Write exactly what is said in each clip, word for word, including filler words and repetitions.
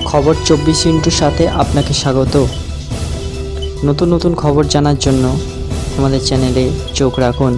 খবর চব্বিশ ইন্টুর সাথে আপনাকে স্বাগত। নতুন নতুন খবর জানার জন্য আমাদের চ্যানেলে চোখ রাখুন।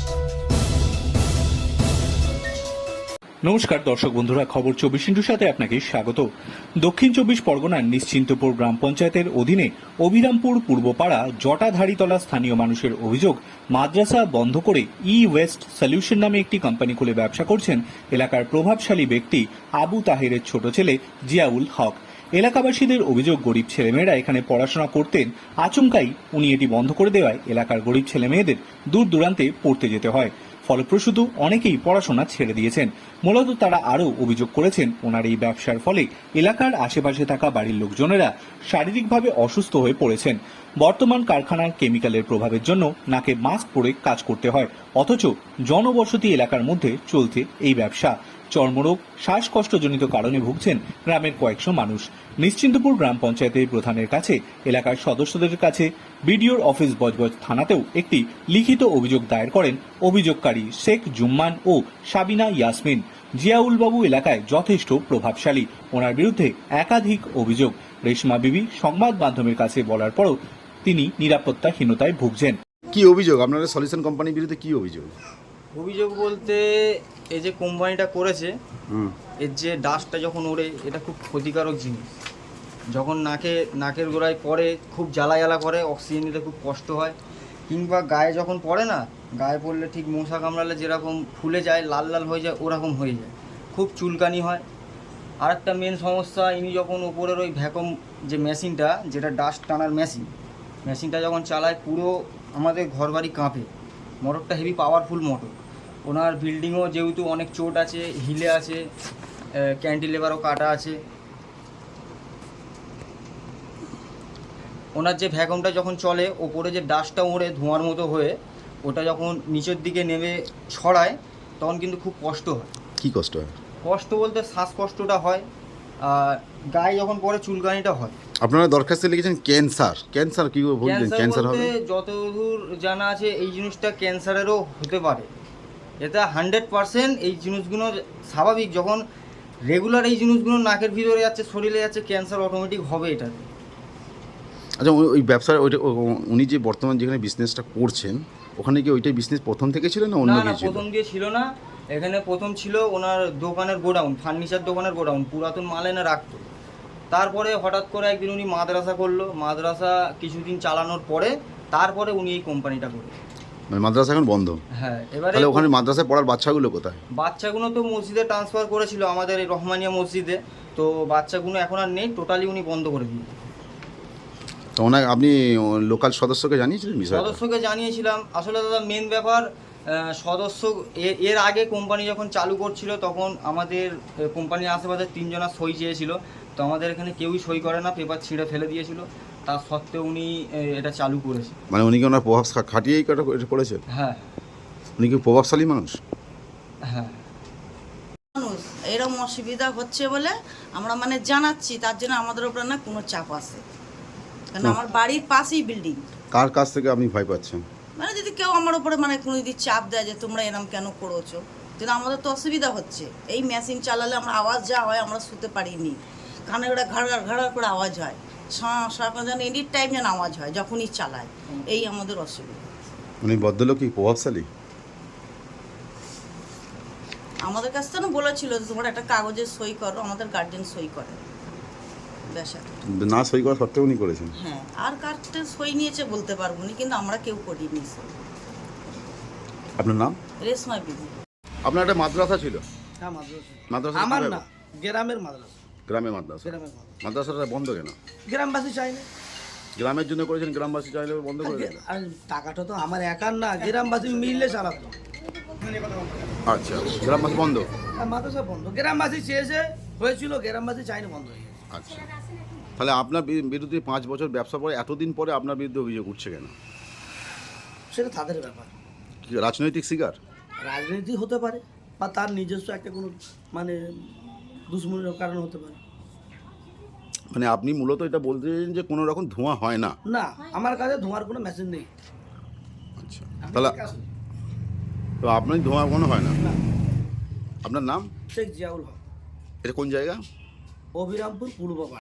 নমস্কার দর্শক বন্ধুরা, খবর চব্বিশ ইন্টুর সাথে আপনাকে স্বাগত। দক্ষিণ চব্বিশ পরগনার নিশ্চিন্তপুর গ্রাম পঞ্চায়েতের অধীনে অভিরামপুর পূর্বপাড়া জটাধারীতলা স্থানীয় মানুষের অভিযোগ, মাদ্রাসা বন্ধ করে ই ওয়েস্ট সলিউশন নামে একটি কোম্পানি খুলে ব্যবসা করছেন এলাকার প্রভাবশালী ব্যক্তি আবু তাহেরের ছোট ছেলে জিয়াউল হক। এলাকাবাসীদের অভিযোগ, গরিব ছেলেমেয়েরা এখানে পড়াশোনা করতেন, আচমকাই উনি এটি বন্ধ করে দেওয়ায় এলাকার গরিব ছেলেমেয়েদের দূর দূরান্তে পড়তে যেতে হয়। ফলপ্রসূত অনেকেই পড়াশোনা ছেড়ে দিয়েছেন। মূলত তারা আরও অভিযোগ করেছেন, ওনার এই ব্যবসার ফলে এলাকার আশেপাশে থাকা বাড়ির লোকজনেরা শারীরিকভাবে অসুস্থ হয়ে পড়েছেন। বর্তমান কারখানার কেমিক্যালের প্রভাবের জন্য নাকে মাস্ক পরে কাজ করতে হয়, অথচ জনবসতি এলাকার মধ্যে চলছে এই ব্যবসা। চর্মরোগ, শ্বাসকষ্টজনিত কারণে ভুগছেন গ্রামের কয়েকশো মানুষ। নিশ্চিন্তপুর গ্রাম পঞ্চায়েতের প্রধানের কাছে, এলাকার সদস্যদের কাছে, বিডিওর অফিস বজবজ থানাতেও একটি লিখিত অভিযোগ দায়ের করেন অভিযোগকারী শেখ জুম্মান ও সাবিনা ইয়াসমিন। জিয়াউল বাবু এলাকায় যথেষ্ট প্রভাবশালী, ওনার বিরুদ্ধে একাধিক অভিযোগ। রেশমা বিবি সংবাদ মাধ্যমের কাছে বলার পরও তিনি নিরাপত্তাহীনতায় ভুগছেন। কি অভিযোগ আপনাদের সলিউশন কোম্পানির বিরুদ্ধে? কি অভিযোগ? অভিযোগ বলতে এই যে কোম্পানিটা করেছে, হুম এর যে ডাস্টটা যখন ওড়ে, এটা খুব ক্ষতিকারক জিনিস। যখন নাকে নাকের গোড়ায় পড়ে খুব জ্বালা জ্বালা করে, অক্সিজেন নিতে খুব কষ্ট হয়। কিংবা গায়ে যখন পড়ে না, গায়ে পড়লে ঠিক মশা কামড়ালে যেরকম ফুলে যায়, লাল লাল হয়ে যায়, ওরকম হয়ে যায়, খুব চুলকানি হয়। আর একটা মেন সমস্যা, ইনি যখন ওপরের ওই ভ্যাকুম যে মেশিনটা, যেটা ডাস্ট টানার মেশিন, মেশিনটা যখন চালায় পুরো আমাদের ঘরবাড়ি কাঁপে। মোটরটা হেভি পাওয়ারফুল মোটর। ওনার বিল্ডিংও যেহেতু অনেক চোট আছে, হিলে আছে, ক্যান্টিলেভারও কাটা আছে। ওনার যে ভ্যাকুমটা যখন চলে, ওপরে যে ডাস্টটা ওড়ে ধোঁয়ার মতো হয়ে, ওটা যখন নিচের দিকে নেমে ছড়ায়, তখন কিন্তু খুব কষ্ট হয়। কি কষ্ট হয়? কষ্ট বলতে শ্বাসকষ্টটা হয়, আর গায়ে যখন পরে চুলকানিটা হয়। আপনারা দরখাস্তে লিখেছেন ক্যান্সার। ক্যান্সার কি বলছেন? ক্যান্সার হবে? যতদূর জানা আছে এই জিনিসটা ক্যান্সারেরও হতে পারে। এটা হান্ড্রেড পারসেন্ট এই জিনিসগুলো স্বাভাবিক। যখন রেগুলার এই জিনিসগুলো নাকের ভিতরে যাচ্ছে, শরীরে যাচ্ছে, ক্যান্সার অটোমেটিক হবে এটাতে। আচ্ছা, ওই ব্যবসার ওইটা উনি যে বর্তমান যেখানে বিজনেসটা করছেন, ওখানে কি ওইটাই বিজনেস প্রথম থেকে ছিল না অন্য কিছু? প্রথম দিয়ে ছিল না। এখানে প্রথম ছিল ওনার দোকানের গোডাউন, ফার্নিচার দোকানের গোডাউন, পুরাতন মাল এনে রাখতো। তারপরে হঠাৎ করে একদিন উনি মাদ্রাসা করলো। মাদ্রাসা কিছুদিন চালানোর পরে তারপরে উনি এই কোম্পানিটা করলেন। মানে মাদ্রাসা এখন বন্ধ? হ্যাঁ। এবারে তাহলে ওখানে মাদ্রাসায় পড়ার বাচ্চাগুলো কোথায়? বাচ্চাগুলো তো মসজিদে ট্রান্সফার করেছিল, আমাদের এই রহমানিয়া মসজিদে। তো বাচ্চাগুলো এখন আর নেই, টোটালি উনি বন্ধ করে দিয়ে। তো ওনাকে আপনি লোকাল সদস্যকে জানিয়েছিলেন বিষয়টা? সদস্যকে জানিয়েছিলাম। আসলে দাদা মেন ব্যাপার, সদস্য এর আগে কোম্পানি যখন চালু করছিল, তখন আমাদের কোম্পানির আশেপাশে তিনজনা সই চেয়েছিল। তো আমাদের এখানে কেউই সই করে না, পেপার ছিঁড়ে ফেলে দিয়েছিল। তা সত্ত্বেও উনি এটা চালু করেছে। মানে উনি কি ওনার প্রভাব খাটিয়েই কাটা করেছেন? হ্যাঁ। উনি কি প্রভাবশালী মানুষ? হ্যাঁ। মানুষ এরকম অসুবিধা হচ্ছে বলে আমরা মানে জানাচ্ছি, তার জন্য আমাদের উপরে না কোনো চাপ আছে। কারণ আমার বাড়ির পাশেই বিল্ডিং। কার কাছ থেকে আপনি ভয় পাচ্ছেন? মানে যদি কেউ আমার উপরে মানে কোনো যদি চাপ দেয় যে তোমরা এরকম কেন করছো, কিন্তু আমাদের তো অসুবিধা হচ্ছে। এই মেশিন চালালে আমরা আওয়াজ যা হয়, আমরা শুতে পারিনি। কানে ওটা ঘাড় ঘাড় করে আওয়াজ হয়, সারা যেন এনি টাইম যেন আওয়াজ হয় যখনই চালায়। এই আমাদের অসুবিধা। উনি ভদ্রলোক কি প্রভাবশালী? আমাদের কাছ থেকে বলেছিল যে তোমরা একটা কাগজে সই করো, আমাদের গার্জেন সই করে। না সই করা সত্ত্বেও উনি করেছেন? হ্যাঁ। আর কার্ডটা সই নিয়েছে বলতে পারবো না, কিন্তু আমরা কেউ করিনি। আপনার নাম? রেশমা বিবি। আপনার একটা মাদ্রাসা ছিল? হ্যাঁ, মাদ্রাসা। মাদ্রাসা আমার না, গ্রামের মাদ্রাসা। গ্রামের মাদ্রাসা? গ্রামের মাদ্রাসা। মাদ্রাসাটা বন্ধ কেন? গ্রামবাসী চাই না। গ্রামের জন্য করেছেন, গ্রামবাসী চাইলে বন্ধ করে দেন? আর টাকাটা তো আমার একার না, গ্রামবাসী মিললে চালাতো। আচ্ছা, গ্রামবাসী বন্ধ? আর মাদ্রাসা বন্ধ, গ্রামবাসী চেয়েছে, হয়েছিল, গ্রামবাসী চাইনি, বন্ধ হয়ে গেছে। আচ্ছা, তাহলে আপনার বিরুদ্ধে পাঁচ বছর ব্যবসা পরে এতদিন পরে আপনার বিরুদ্ধে অভিযোগ উঠছে কেন? সেটা তাদের ব্যাপার। কি রাজনৈতিক শিকার? রাজনীতি হতে পারে, বা তার নিজস্ব একটা কোনো মানে দুশ্মনীর কারণ হতে পারে। মানে আপনি মূলত এটা বলতেছেন যে কোনো রকম ধোঁয়া হয় না? না, আমার কাছে ধোঁয়ার কোনো মেশিন নেই। আচ্ছা, তাহলে তো আপনার ধোঁয়া কোনো হয় না? আপনার নাম? শেখ জিয়াউল হক। এটা কোন জায়গা? অভিরামপুর পূর্ব।